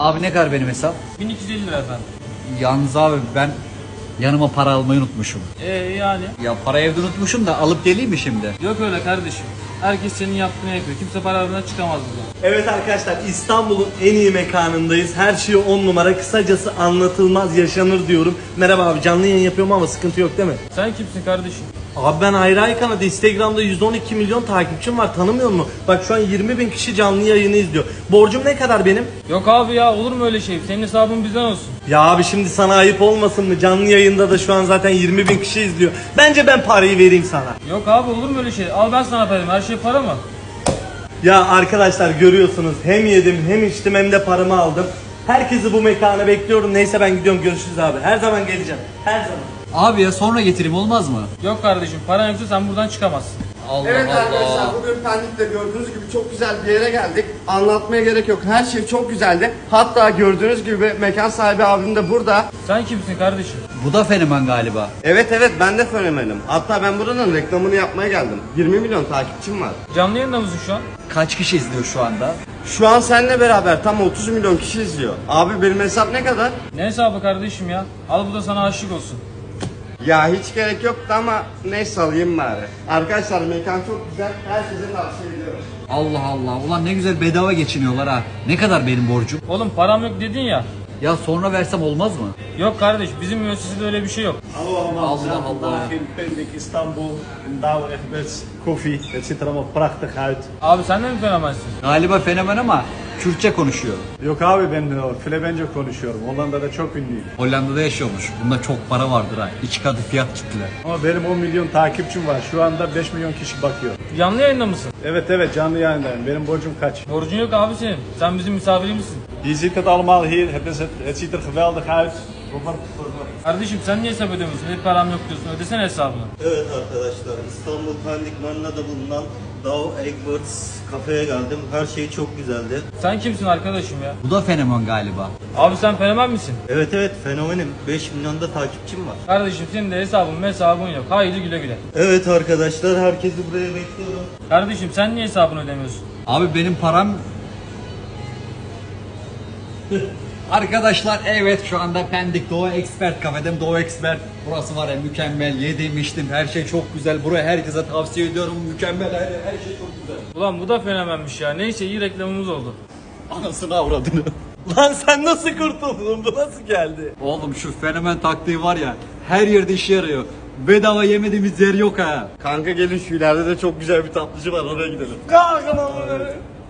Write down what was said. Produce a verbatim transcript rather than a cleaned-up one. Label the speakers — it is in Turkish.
Speaker 1: Abi ne kadar benim hesap?
Speaker 2: bin iki yüz elli lira efendim.
Speaker 1: Yalnız abi ben yanıma para almayı unutmuşum.
Speaker 2: Ee yani?
Speaker 1: Ya para evde unutmuşum da alıp geleyim mi şimdi?
Speaker 2: Yok öyle kardeşim. Herkes senin yaptığını yapıyor. Kimse para aradan çıkamaz buradan.
Speaker 3: Evet arkadaşlar, İstanbul'un en iyi mekanındayız. Her şey on numara. Kısacası anlatılmaz yaşanır diyorum. Merhaba abi, canlı yayın yapıyorum ama sıkıntı yok değil mi?
Speaker 2: Sen kimsin kardeşim?
Speaker 3: Abi ben Ayrı Ay kanalı, Instagram'da yüz on iki milyon takipçim var, tanımıyor musun? Bak şu an yirmi bin kişi canlı yayını izliyor. Borcum ne kadar benim?
Speaker 2: Yok abi ya, olur mu öyle şey? Senin hesabın bizden olsun.
Speaker 3: Ya abi şimdi sana ayıp olmasın mı? Canlı yayında da şu an zaten yirmi bin kişi izliyor. Bence ben parayı vereyim sana.
Speaker 2: Yok abi, olur mu öyle şey? Al ben sana parayım. Her şey para mı?
Speaker 3: Ya arkadaşlar görüyorsunuz, hem yedim hem içtim hem de paramı aldım. Herkesi bu mekana bekliyorum. Neyse ben gidiyorum, görüşürüz abi. Her zaman geleceğim. Her zaman.
Speaker 1: Abi ya sonra getireyim olmaz mı?
Speaker 2: Yok kardeşim, paran yoksa sen buradan çıkamazsın.
Speaker 1: Allah
Speaker 4: Evet
Speaker 1: Allah.
Speaker 4: arkadaşlar, bugün Pendik'te gördüğünüz gibi çok güzel bir yere geldik. Anlatmaya gerek yok. Her şey çok güzeldi. Hatta gördüğünüz gibi mekan sahibi abim de burada.
Speaker 2: Sen kimsin kardeşim?
Speaker 1: Bu da fenomen galiba.
Speaker 4: Evet evet, ben de fenomenim. Hatta ben buranın reklamını yapmaya geldim. yirmi milyon takipçim var.
Speaker 2: Canlı yayında mısın şu an?
Speaker 1: Kaç kişi izliyor şu anda?
Speaker 4: Şu an seninle beraber tam otuz milyon kişi izliyor. Abi benim hesap ne kadar?
Speaker 2: Ne hesabı kardeşim ya? Al bu da sana aşık olsun.
Speaker 4: Ya hiç gerek yoktu ama neyse alayım bari. Arkadaşlar mekan çok güzel. Herkese tavsiye ediyorum.
Speaker 1: Allah Allah. Ulan ne güzel bedava geçiniyorlar ha. Ne kadar benim borcum?
Speaker 2: Oğlum param yok dedin ya.
Speaker 1: Ya sonra versem olmaz mı?
Speaker 2: Yok kardeş, bizim müessesede öyle bir şey yok.
Speaker 3: Hallo allemaal,
Speaker 1: Allah
Speaker 3: we zijn
Speaker 1: Allah.
Speaker 3: vandaag in Pendik, Istanbul. In Douwe Egberts koffie. Het ziet er allemaal prachtig uit.
Speaker 2: Abi sen de mi fenomensin?
Speaker 1: Galiba fenomen ama Kürtçe konuşuyor.
Speaker 5: Yok abi, ben Flemenco konuşuyorum. Hollanda'da çok ünlüyüm.
Speaker 1: Hollanda'da yaşıyormuş. Bunda çok para vardır ha. İki katı fiyat kitler.
Speaker 5: Ama benim on milyon takipçim var. Şu anda beş milyon kişi bakıyor.
Speaker 2: Canlı yayında mısın?
Speaker 5: Evet evet, canlı yayındayım. Benim borcum kaç?
Speaker 2: Borcun yok abi senin. Sen bizim misafirimizsin.
Speaker 5: Je ziet het allemaal hier. Het, is het, het ziet er geweldig uit. Robert,
Speaker 2: Kardeşim sen niye hesap ödemiyorsun? Hep param yok diyorsun. Ödesene hesabını.
Speaker 6: Evet arkadaşlar, İstanbul Pendik Marina'da bulunan Douwe Egberts kafeye geldim. Her şey çok güzeldi.
Speaker 2: Sen kimsin arkadaşım ya?
Speaker 1: Bu da fenomen galiba.
Speaker 2: Abi sen fenomen misin?
Speaker 6: Evet evet, fenomenim. beş milyonda takipçim var.
Speaker 2: Kardeşim senin de hesabın hesabın yok. Haydi güle güle.
Speaker 6: Evet arkadaşlar, herkesi buraya bekliyorum.
Speaker 2: Kardeşim sen niye hesabını ödemiyorsun?
Speaker 1: Abi benim param... Arkadaşlar evet şu anda Pendik Doğu Expert kafedeyim. Doğu Expert burası var ya mükemmel, yedim içtim, her şey çok güzel. Buraya herkese tavsiye ediyorum, mükemmel, her, her şey çok güzel.
Speaker 2: Ulan bu da fenomenmiş ya. Neyse, iyi reklamımız oldu.
Speaker 1: Anasını avradını.
Speaker 3: Lan sen nasıl kurtuldun? Bu nasıl geldi?
Speaker 1: Oğlum şu fenomen taktiği var ya, her yerde işe yarıyor. Bedava yemediğimiz yer yok ha.
Speaker 4: Kanka gelin, şu ileride de çok güzel bir tatlıcı var, oraya gidelim.
Speaker 3: Kalkın oğlum.